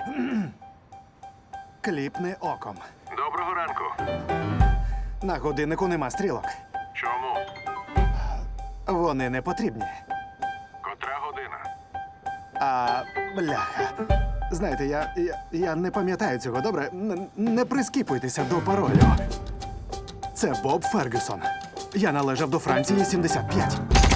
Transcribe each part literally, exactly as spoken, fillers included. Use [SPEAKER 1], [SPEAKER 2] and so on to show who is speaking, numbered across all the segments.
[SPEAKER 1] Кліпни оком.
[SPEAKER 2] Доброго ранку.
[SPEAKER 1] На годиннику нема стрілок.
[SPEAKER 2] Чому?
[SPEAKER 1] Вони не потрібні.
[SPEAKER 2] Котра година?
[SPEAKER 1] А, бляха. Знаєте, я, я, я не пам'ятаю цього, добре? Н- не прискіпуйтеся до паролю. Це Боб Фергюсон. Я належав до Франції сімдесят п'ять.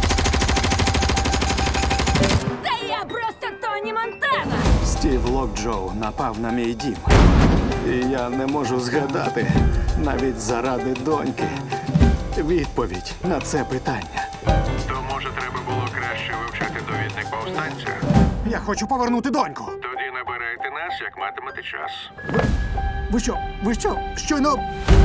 [SPEAKER 3] Та я просто Тоні Монтана!
[SPEAKER 1] Стів Локджоу напав на мій дім. І я не можу згадати, навіть заради доньки, відповідь на це питання.
[SPEAKER 2] То, може, треба було краще вивчати довідник повстанця?
[SPEAKER 1] Я хочу повернути доньку.
[SPEAKER 2] Тоді набирайте нас, як матимете час.
[SPEAKER 1] Ви що? Ви що? Щойно...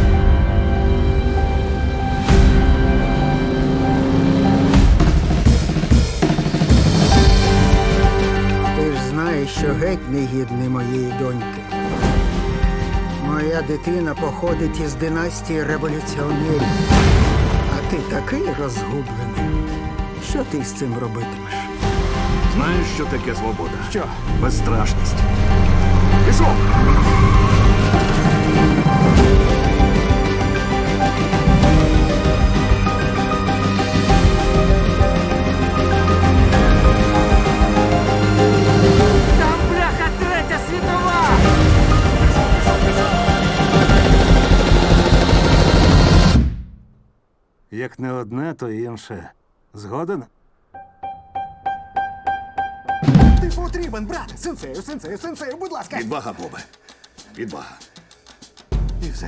[SPEAKER 4] Ти ж знаєш, що геть не гідний моєї доньки. Моя дитина походить із династії революціонерів. А ти такий розгублений. Що ти з цим робитимеш?
[SPEAKER 5] Знаєш, що таке свобода?
[SPEAKER 1] Що?
[SPEAKER 5] Безстрашність. Пішов!
[SPEAKER 4] Там, бляха, третя світова!
[SPEAKER 5] Як не одне, то інше. Згоден?
[SPEAKER 1] Ти потрібен, брат! Сенсею, сенсею, сенсею, будь ласка!
[SPEAKER 5] Відвага, Бобе. Відвага.
[SPEAKER 1] І все?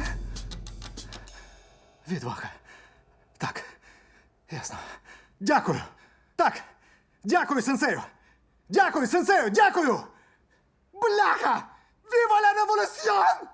[SPEAKER 1] Відвага. Так. Ясно. Дякую. Так. Дякую, сенсею. Дякую, сенсею, дякую! Бляха! Віва ла революціон!